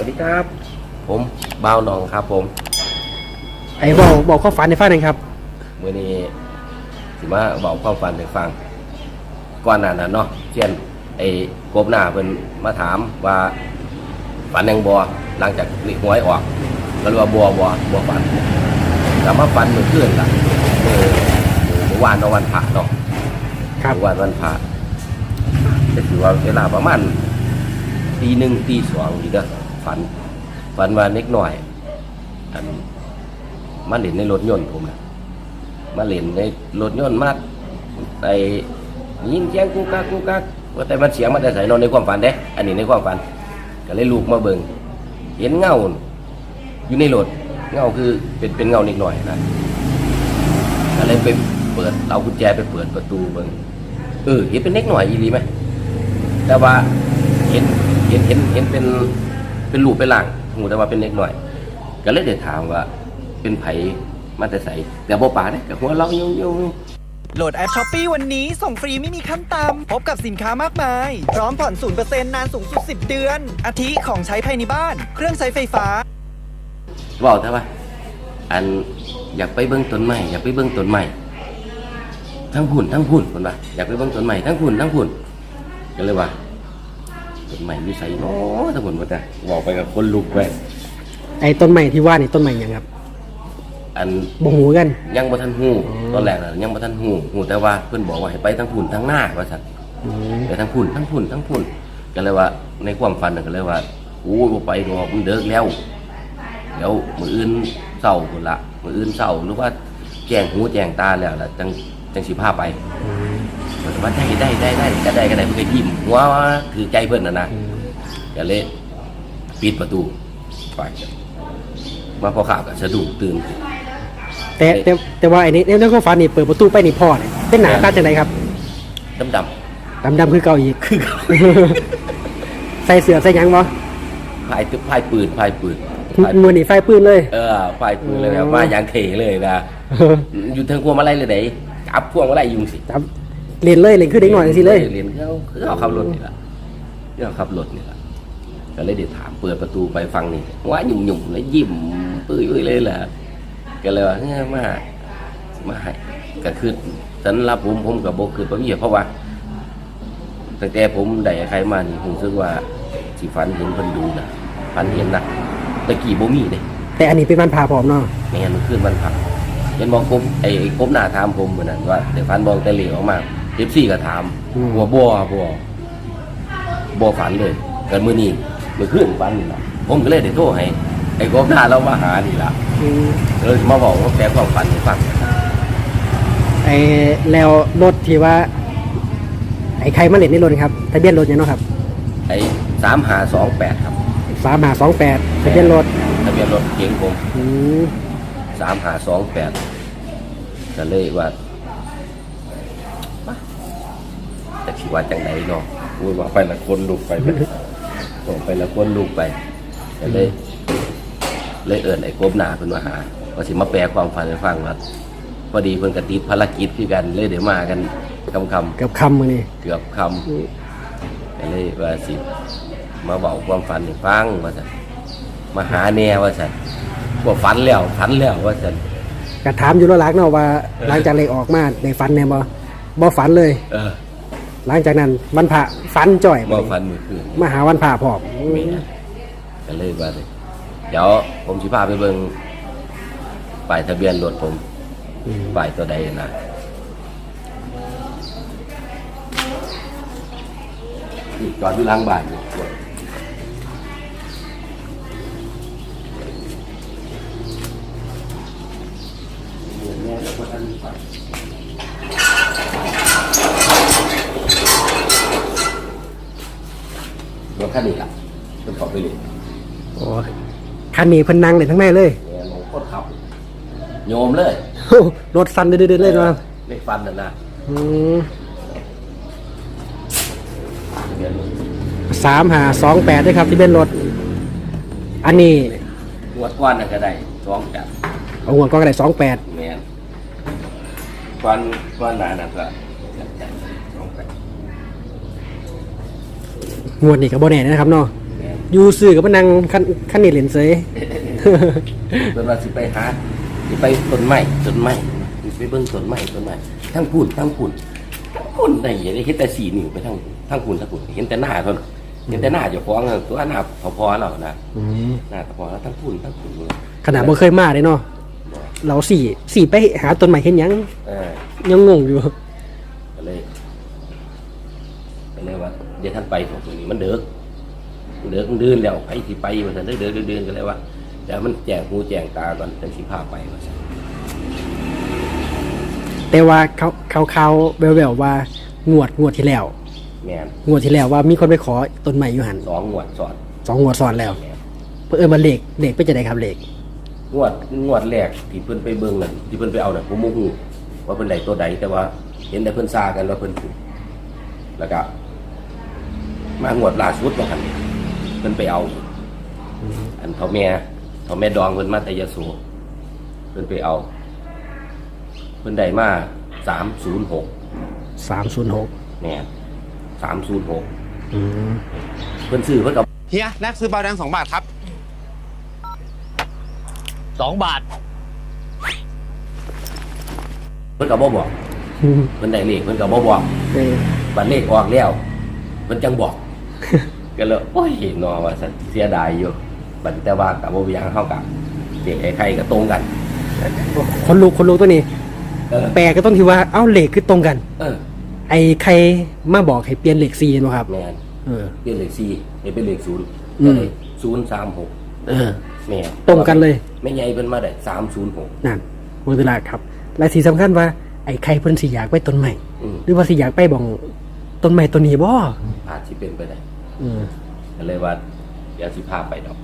วัสดีครับผมบ่าวหนองครับผมไอ้บอกความฝันในฟังหน่อยครับมื้อนี้สิมาบอกความฝันให้ฟังก่อนหน้านั้นเนาะเช่นไอ้กบหน้าเพิ่นมาถามว่าฝันยังบ่หลังจากเลขหวยออกก็เลยว่าบ่ฝันแต่มาฝันเมื่อคืนล่ะเมื่อวานวันพระเนาะครับวันพระก็ถือว่าเวลาประมาณตี 1 ตี 2นี่เด้อฝันว่าเล็กหน่อยมาเล่นในรถยนต์ผมนะมาเล่นในรถยนต์มาไอ้ยินเสียงกูกักว่าแต่มันเสียงมันแต่ใส่นอนในความฝันเด้อันนี้ในความฝันก็เลยลูกมาเบิ่งเห็นเงาอยู่ในรถเงาคือเป็นเงาเล็กหน่อยนะก็เลยไปเปิดเอากุญแจไปเปิดประตูเบิ่งเห็นเป็นเล็กหน่อยอีหลีไหมแต่ว่าเห็นเป็นรูปเป็นร่างหูแต่ว่าเป็นเล็กหน่อยก็เลยได้ถามว่าเป็นไผมาแต่ใส่แต่บ่ปาเนี่ยกับหัวเราอยู่โหลดแอป Shopee วันนี้ส่งฟรีไม่มีขั้นต่ำพบกับสินค้ามากมายพร้อมผ่อน 0% นานสูงสุด10 เดือนอาทิของใช้ภายในบ้านเครื่องใช้ไฟฟ้าบอกแต่ว่าอันอยากไปเบิ่งต้นไม้ทั้งพุ่นคนว่าอยากไปเบิ่งต้นไม้ทั้งพุ่นก็เลยว่าต้นไม้มีใส่เนาะทั้งพุ่นว่าแต่บอกไปกับคนลุกไปไอ้ต้นไม้ที่ว่านี่ต้นไม้หยังครับอันบ่ฮู้กันยังบ่ทันฮู้ตอนแรกน่ะยังบ่ทันฮู้แต่ว่าเพิ่นบอกว่าให้ไปทั้งพุ่นทั้งหน้าว่าซั่นไปทั้งพุ่นก็เลยว่าในความฝันก็เลยว่าโอ้บ่ไปดอกมันเดึกแล้วเดี๋ยวมื้ออื่นเช้าพุ่นละมื้ออื่นเช้าหรือว่าแจ้งหูแจ้งตาแล้วล่ะจังสิพาไปว่าได้ก็ได้เพิ่นก็ยิ้มหัวถือใจเพิ่นน่ะนะก็เลยปิดประตูไปมาพอข่าวก็สะดุ้งตื่นแต่ว่าไอ้นี่ในความฝันนี่เปิดประตูไปนี่พ่อเนี่ยเป็นหน้าตาจังไดครับดำคือเก่าอีกใส่เสื้อใส่หยังบ่พายปืนมือนี่ไฟปืนเลยพายปืนเลยแบบว่าอย่างเท่เลยนะอยู่ทางพวงมาลัยเลยไหนจับพวงมาลัยยุงสิจับเล่นคือเด็กหน่อยสิเลยเล่นเขาขับรถนี่ล่ะก็เลยเดี๋ยวถามเปิดประตูไปฟังนี่ว่าหยุ่มแล้วยิ้มปื้ยเลยแหละก็เลยว่ามาให้ก็คือฉันรับผมกับโบคือประวิเพราะว่าตั้งแต่ผมได้ใครมานี่ผมรู้สึกว่าสิฝันเห็นคนดูนะฝันเห็นนะตะกี้โบมีเลยแต่อันนี้เป็นวันพาพร้อมเนาะไม่งั้นมันขึ้นวันพาเห็นมองไอ้กบหน้าถามผมเหมือนนั้นว่าเดี๋ยวฝันมองแต่เหลียวออกมา14ก็ถามบัวฝันเลยกันมื้อนี้มือขึ้นปันนี่ละผมก็เลยได้โทรให้ไอ้กบหน้าเรามาหานี่ละเลยมาบอกว่าแกความฝันให้ฟังไอ้แล้วรถที่ว่าไอ้ใครมาเล่นในรถครับทะเบียนรถเนี่ยเนาะครับไอ้3528ครับ 3528ทะเบียนรถเก๋งผม3528ก็เลยว่าแต่ที่ว่าจังไหนเนาะพูดว่าไปละคนลุกไปส่งไปแล้วก้นลูกไปก็เลยเอิ้นไอ้กบหน้าเพิ่นมาหาว่าสิมาแปลความฝันให้ฟังว่าพอดีเพิ่นก็ติดภารกิจคือกันเลยเดี๋ยวมากันค่ำเกือบค่ำมื้อนี้เกือบค่ำก็เลยว่าสิมาเว้าความฝันให้ฟังว่าซั่นมาหาแน่ว่าซั่นบ่ฝันแล้วว่าซั่นก็ถามอยู่แล้วหลักเนาะว่าหลังจากเลขออกมาได้ฝันแน่บ่ฝันเลยหลังจากนั้นวันพระฝันจ่อยบ่ฝันมื้อคืนมาหาวันพระพร้อมก็เลยว่าเดี๋ยวผมสิพาไปเบิ่งป้ายทะเบียนรถผมป้ายตัวใดนะจอดอยู่หลังบ้านอยู่รถคันนี้ล่ะเพิ่นขับไปเลยโอ้คันนี้เพิ่นนั่งเลยทั้งแม่เลยโคตรขับโยมเลยรถสั่นเดือดเลยนะไม่ฟันนะ 3528ด้วยครับที่เป็นรถอันนี้หัวก้อนก็ได้28 เอาหัวก้อนก็ได้28 แม่นก้อนหนานั่นก็งวดนี้ก็บ่แน่นะครับเนาะอยู่ซื้อกับมานั่งคันนี้เล่นเสยเพิ่นว่าสิไปหาสิไปต้นไม้สิไปเบิ่งต้นไม้ทั้งพุ่นได้เห็นแต่4นิ้วไปทั้งพุ่นเห็นแต่หน้าเพิ่นเห็นแต่หน้าเจ้าของตัวหน้าพอแล้วนะหน้าพอแล้วทั้งพุ่นเลยขนาดบ่เคยมาเลยเนาะเราสี่ไปหาต้นใหม่เห็นหยัง ยังงงอยู่ก็เลยว่าเดี๋ยวท่านไปของตัวนี้มันเดือดดื้อแล้วไปสิไปมันเดือดก็เลยว่าเดี๋ยวมันแจงหูแจงตาก่อนจังสิพาไปว่าซั่นแต่ว่าเขาแววๆว่างวดที่แล้วแม่นงวดที่แล้วว่ามีคนไปขอต้นใหม่อยู่หัน 2งวดสอน 2 งวดซ้อนแล้วแม่นเพิ่นมาเลขไปจะได้ครับเลขงวดแรกที่เพิ่นไปเบิ่งนั่นที่เพิ่นไปเอาน่ะผมบ่ฮู้ว่าเพิ่นได้ตัวใดแต่ว่าเห็นแต่เพิ่นซากันว่าเพิ่นถูกแล้วก็มางวดล่าสุดว่าคั่นเพิ่นไปเอาอันเฒ่าแม่ดองเพิ่นมาแต่ยโสเพิ่นไปเอาเพิ่นได้มา306 306 แม่น306 อืมเพิ่นซื้อเพิ่นก็เฮียแลกซื้อบาแดง2 บาทครับ 2 บาทเพิ่นก็บ่บอกเพิ่นได้เลขเพิ่นก็บ่บอกเออบัดเลขออกแล้วเพิ่นจังบอก ก็เลยโอ้ยนอว่าซั่นเสียดายอยู่บัดแต่ว่าก็บ่มีหยังเฮาก็เด็กไอ้ไข่ก็ตรงกันคนลูกตัวนี้เออแปลก็ต้องที่ว่าเอ้าเลขคือตรงกันเออไอ้ใครมาบอกให้เปลี่ยนเลข4เนาะครับแม่นเออเป็นเลข4ให้เป็นเลข0 อืก็มเลย036 เออแม่นตรงกันเลยแม่ใหญ่เพิ่นมาได้306 นั่นหมดเวลาครับ และที่สำคัญว่าไอ้ใครเพิ่นสิอยากไปต้นใหม่อืมหรือว่าสิอยากไปบ่องต้นใหม่ต้นนี้บ่อาจสิเป็นไปได้อืมก็เลยว่าเดี๋ยวสิพาไปดอก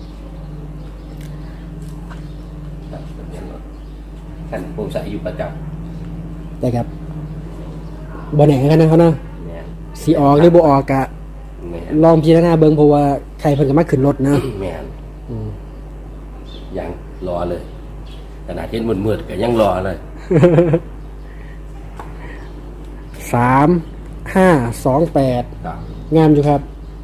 ครับทะเบียนรถคันผมใส่อยู่ประจำได้ครับบ่แน่กันนะครับเนาะแม่นสิออกหรือบ่ออกกะแม่นลองพิจารณาเบิ่งเพราะว่าใครเพิ่นก็มาขึ้นรถนะแม่นอืมยังรอเลยขนาดเห็นมืดๆก็ยังรอเลย 3528 ครับงามอยู่ครับ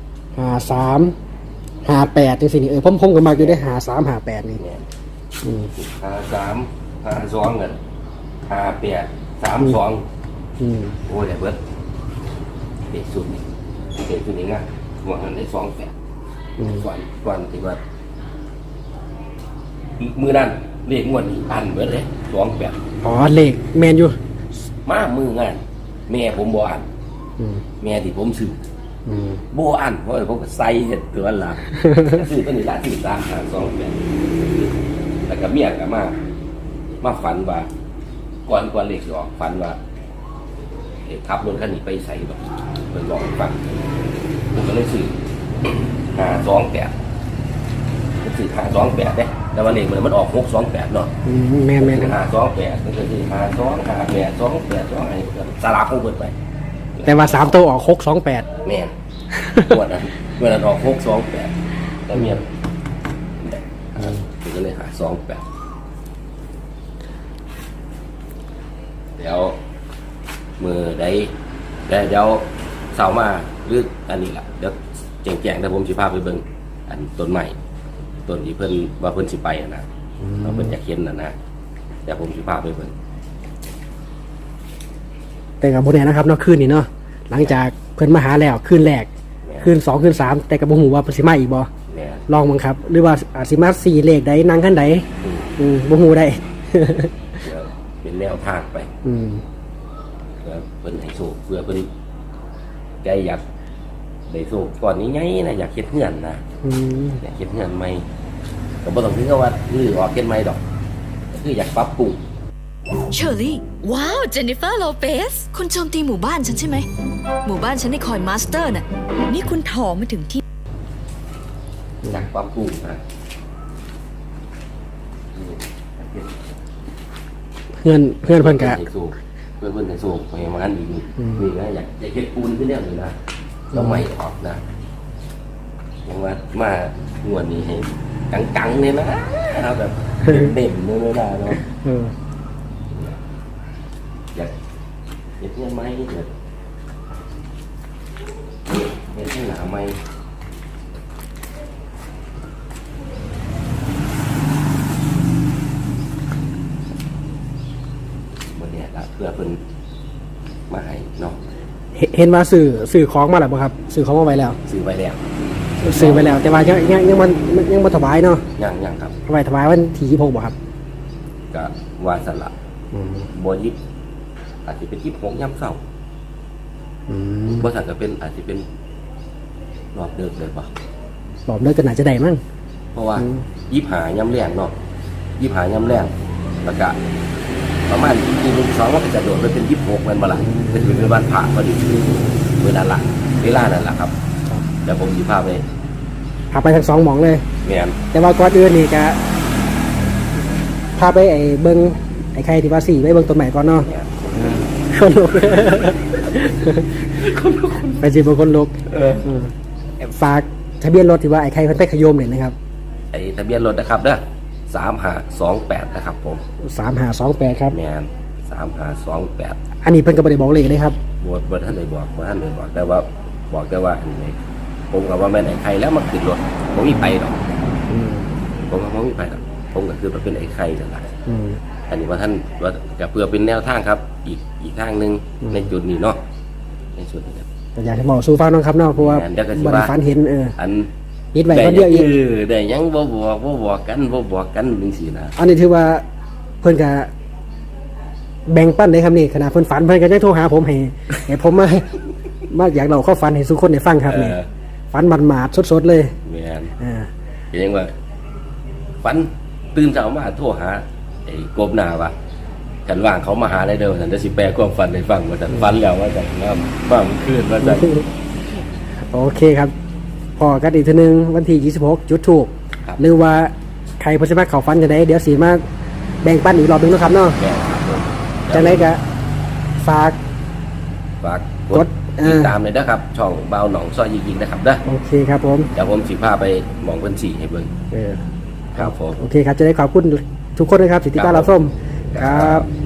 53 58จังซี่นี่ผมก็มักอยู่ได้53 58นี่แม่นอืม 53 52เงิน58 32 อืมโอ้ยได้เบิดเด็กสุดนี่เด็กสุดนี่ง่ายหัวเงินได้28 อืมก่อนที่ว่ามือนั้นเลขงวดนี้อันเบิดเลย28 อ๋อเลขแม่นอยู่มามืองานแม่ผมบ่อันอืมแม่ที่ผมซื้ออืมบ่อันเพราะว่าผมก็ใส่เห็ดตัวละ ซื้อตัวนี้ละซื้อ3 2 8แล้วก็เมียก็มาฝันว่าก่อนเลขสิออกฝันว่าขับรถคันนี้ไปใส่แบบเพิ่นบอกให้ฟังผมก็เลยซื้อ528ผมซื้อ528เด้แต่ว่าเลขมันออก628เนาะอืมแม่น 528มันก็คือ52 58 28 2ให้สลับของเพิ่นไปแต่ว่า3ตัวออก628 แม่น วันนั้นออก628แล้วเมียก็เลยหา28เดี๋ยวมือได้เดี๋ยวเสาร์มาหรืออันนี้ล่ะเดี๋ยวแจ้งๆแต่ผมสิพาไปเบิ่งอันต้นใหม่ต้นที่เพิ่นว่าเพิ่นสิไปนะว่าเพิ่นอยากเห็นนะเดี๋ยวผมสิพาไปเบิ่งแต่กับโบแน่นะครับเนาะคืนนี้เนาะหลังจากเพิ่นมาหาแล้วคืนแรกคืน2คืน3แต่กับบ่ฮู้ว่าเพิ่นสิมาอีกบ่แม่นลองบังครับ หรือว่าอาจสิมา4เลขใดนั่งคันใดอืมบ่ฮู้ได้เดี๋ยวเป็นแนวทางไปอืมเพื่อเพิ่นให้โชคเพื่อเพิ่นใจอยากได้โชคก่อนนี้ไงนะอยากเฮ็ดเฮือนนะอืมอยากเฮ็ดเฮือนใหม่ก็บ่ต้องถึงกับว่ารื้อออกเฮ็ดใหม่ดอกก็คืออยากปรับปรุงเชอรี่ ว้าว เจนนิเฟอร์โลเปส คุณโจมตีหมู่บ้านฉันใช่ไหม หมู่บ้านฉันในคอยมาสเตอร์น่ะ นี่คุณถอมาถึงที่อยากปรับปรุงนะเพื่อนเพิ่นก็ให้โชคเพื่อเพิ่นให้โชคให้มันอีกนี่นะอยากเฮ็ดปูนขึ้นแนวนี้นะแล้วไม่ออกนะอย่างว่ามางวดนี้ให้กังๆเนี่ยนะเอาแบบเต็มๆเลยนะเนาะเอออยากเห็นยังไหมเห็นที่หนาไหมเพื่อเพิ่นมาให้เนาะเห็นว่าสื่อของมาแล้วบ่ครับสื่อของมาไว้แล้วซื้อไว้แล้วสื่อไปแล้ว แต่ว่ายังบ่ถวายเนาะยังครับถวายวันที่26บ่ครับก็ว่าสละบ่ยิบอาจจะเป็น26ยามเช้าอืมบ่ซั่นก็เป็นอาจจะเป็นรอบเดึกเลยบ่รอบเลิกก็น่าจะได้มั้งเพราะว่า25ยามแรงเนาะ25ยามแรงแล้วก็ประมาณทีนึง2มันก็จะโดดไปเป็น26แม่นบ่ล่ะเป็นวันพระพอดีเวลานั้นล่ะครับเดี๋ยวผมสิพาไปพาไปทั้ง2หม่องเลยแม่นแต่ว่าก่อนอื่นนี่ก็พาไปไอ้เบิ่งไอ้ใครที่ว่า4ไปเบิ่งต้นไม้ก่อนเนาะแม่นคนลุกไปสิบคนลุกฝากทะเบียนรถที่ว่าไอ้ใครเพิ่นไปขยมเนี่ยนะครับไอ้ทะเบียนรถนะครับเด้อ3528นะครับผม 3528ครับแม่น3528 อันนี้เพิ่นก็บ่ได้บอกเลขเลยครับบ่ท่านได้บอกแต่ว่าบอกแต่ว่าอันนี้ผมก็ว่าแม่นไอ้ไข่แล้วมาขึ้นรถบ่มีไปดอกผมก็บ่มีไปดอกผมก็คือว่าเป็นไอ้ไข่นั่นล่ะอืมอันนี้ว่าท่านว่าจะเพื่อเป็นแนวทางครับ อีกทางหนึงในจุดนี้เนาะในจุดนี้ครับแต่อยากให้บอกสู่ฟังน้องครับเนาะเพราะว่าเดี๋ยวก็สิบ่ว่าได้ฝันเห็นอันนิดไว้คนเดียวอีกได้ยังบ่บอกกันจังซี่นะอันนี้ถือว่าเพิ่นก็แบ่งปันได้ครับนี่ขนาดเพิ่นฝันเพิ่นก็ยังโทรหาผมให้ผมมาอยากเล่าเข้าฝันให้ทุกคนได้ฟังครับนี่ฝันหมาดๆสดๆเลยแม่นอ่าก็ยังว่าฝันตื่นเช้ามาโทรหาไอ้กบหน้าว่าฉันว่างเขามาหาได้เด้อฉันจะสิแปลความฝันให้ฟังว่าฉันฝันแล้วว่าฉันน้ำบ้ามันขึ้นว่าฉันโอเคครับพอกันอีกทีนึงวันที่26จุดถูกครับหรือว่าใครเพอสมัครเขาฟันจะได้เดี๋ยวสีมาแบ่งปันอีกรอบหนึงนะครับเนาะแม่นครับผมจากนั้นก็ฝากฝากกกดดติดตามเลยนะครับ ช่องเบาหนองซอยยิงๆนะครับนะโอเคครับผมเดี๋ยวผมสิพาไปหมองเพิ่นสีให้เบิ่งเออครับผมโอเคครับจะได้ขอบคุณทุกคนนะครับสิติดตามรับชมครับ